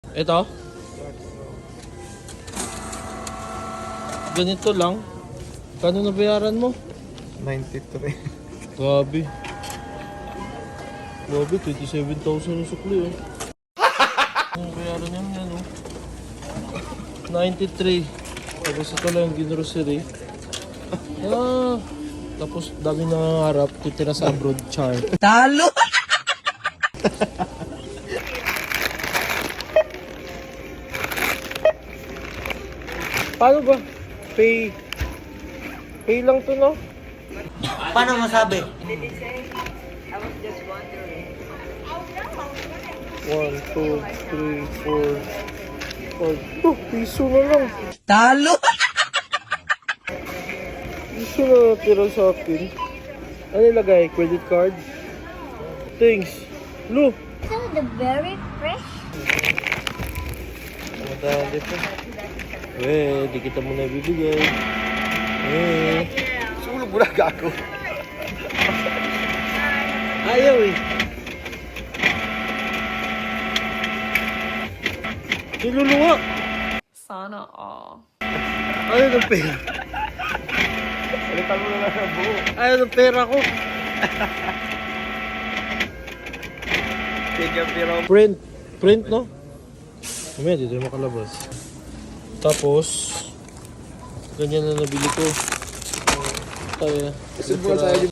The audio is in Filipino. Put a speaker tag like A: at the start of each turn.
A: Ito? Ganito lang. Kano nabayaran mo?
B: 93.
A: Grabe. Grabe, 27,000 yung sukli oh. Ang bayaran yan yan oh. 93. Tapos ito lang yung grocery. Tapos dami nangangarap, titira sa abroad, char.
C: Talo!
A: Paano ba? Pay lang to, no?
C: Paano masabi?
A: 1, 2, 3, 4, 5. Oh, piso na lang.
C: Talo!
A: Piso na natira sa akin. Ano ilagay? Credit card? Thanks. Lu!
D: So the very fresh.
A: Madali pa. Di kita muna ibibigay.
B: Sulog mo na gago.
A: Ayaw eh. Niluluwa.
E: Sana all.
A: Ayaw ng pera.
B: Palitan mo na lang ang buo.
A: Ayaw ng pera ko.
B: Tigyan pero.
A: Print no? Mamaya dito yung makalabas. Tapos ganyan na nabili ko. Kaya
B: Kasi bukas ayaw